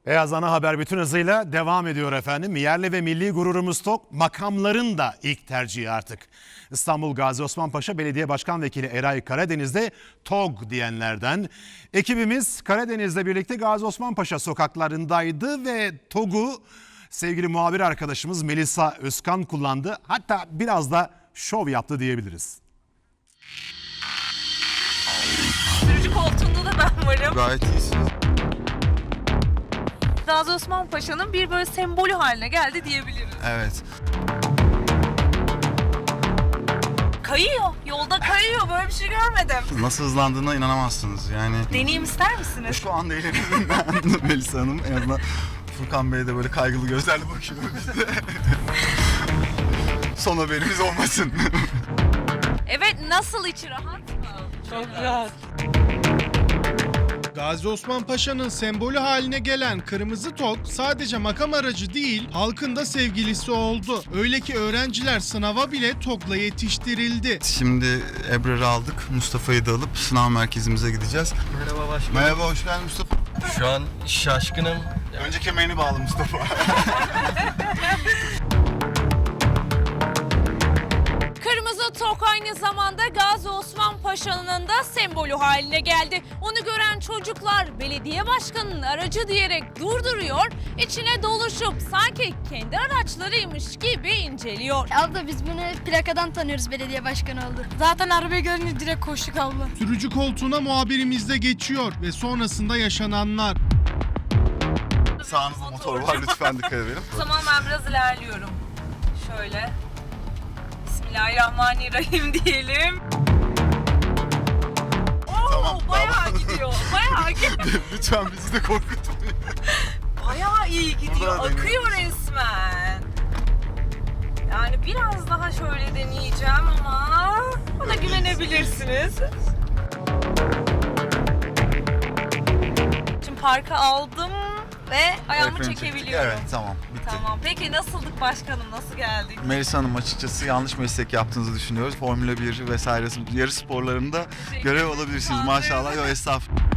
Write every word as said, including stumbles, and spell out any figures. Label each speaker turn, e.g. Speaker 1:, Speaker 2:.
Speaker 1: Beyaz Ana Haber bütün hızıyla devam ediyor efendim. Yerli ve milli gururumuz TOG, makamların da ilk tercihi artık. İstanbul Gazi Osman Paşa Belediye Başkan Vekili Eray Karadeniz'de TOG diyenlerden. Ekibimiz Karadeniz'le birlikte Gazi Osman Paşa sokaklarındaydı ve TOG'u sevgili muhabir arkadaşımız Melisa Özkan kullandı. Hatta biraz da şov yaptı diyebiliriz.
Speaker 2: Sürücü koltuğunda da ben varım.
Speaker 3: Gayet iyisiniz.
Speaker 2: Gazi Osman Paşa'nın bir böyle sembolü haline geldi diyebiliriz.
Speaker 3: Evet.
Speaker 2: Kayıyor. Yolda kayıyor. Böyle bir şey görmedim.
Speaker 3: Nasıl hızlandığına inanamazsınız yani.
Speaker 2: Deneyim ister misiniz?
Speaker 3: Şu anda eğleniyorum ben Melisa Hanım. En azından Furkan Bey de böyle kaygılı gözlerle bakıyor bize. Son haberimiz olmasın.
Speaker 2: Evet, nasıl içi rahat mı?
Speaker 4: Çok rahat.
Speaker 5: Gazi Osman Paşa'nın sembolü haline gelen kırmızı TOG sadece makam aracı değil, halkın da sevgilisi oldu. Öyle ki öğrenciler sınava bile TOG'la yetiştirildi.
Speaker 3: Şimdi Ebrar'ı aldık. Mustafa'yı da alıp sınav merkezimize gideceğiz.
Speaker 6: Merhaba başkanım.
Speaker 3: Merhaba, hoş geldin Mustafa.
Speaker 6: Şu an şaşkınım.
Speaker 3: Önce kemerini bağlı Mustafa.
Speaker 2: Kırmızı TOG aynı zamanda Gazi Osman Paşa'nın da sembolü haline geldi. Onu gören çocuklar belediye başkanının aracı diyerek durduruyor, içine doluşup sanki kendi araçlarıymış gibi inceliyor.
Speaker 7: Abla biz bunu plakadan tanıyoruz, belediye başkanı oldu.
Speaker 4: Zaten arabayı görünce direkt koştuk abla.
Speaker 5: Sürücü koltuğuna muhabirimiz de geçiyor ve sonrasında yaşananlar.
Speaker 3: Sağınızda motor var, lütfen dikkat edelim.
Speaker 2: O zaman ben biraz ilerliyorum. Şöyle. Bismillahirrahmanirrahim diyelim. Oo,
Speaker 3: Tamam,
Speaker 2: bayağı
Speaker 3: tamam.
Speaker 2: gidiyor. Bayağı gidiyor.
Speaker 3: Lütfen bizi de korkutmayın.
Speaker 2: Bayağı iyi gidiyor.
Speaker 3: Buradan
Speaker 2: Akıyor resmen. Yani biraz daha şöyle deneyeceğim ama bana güvenebilirsiniz. Şimdi parka aldım ve ayağımı
Speaker 3: Efendim, çektik.
Speaker 2: çekebiliyorum.
Speaker 3: Evet, tamam. Bitti.
Speaker 2: Tamam. Peki nasıldık başkanım? Nasıl geldik?
Speaker 3: Melisa Hanım, açıkçası yanlış meslek yaptığınızı düşünüyoruz. Formula bir vesaire yarış sporlarında görev alabilirsiniz maşallah. Yok, estağfurullah.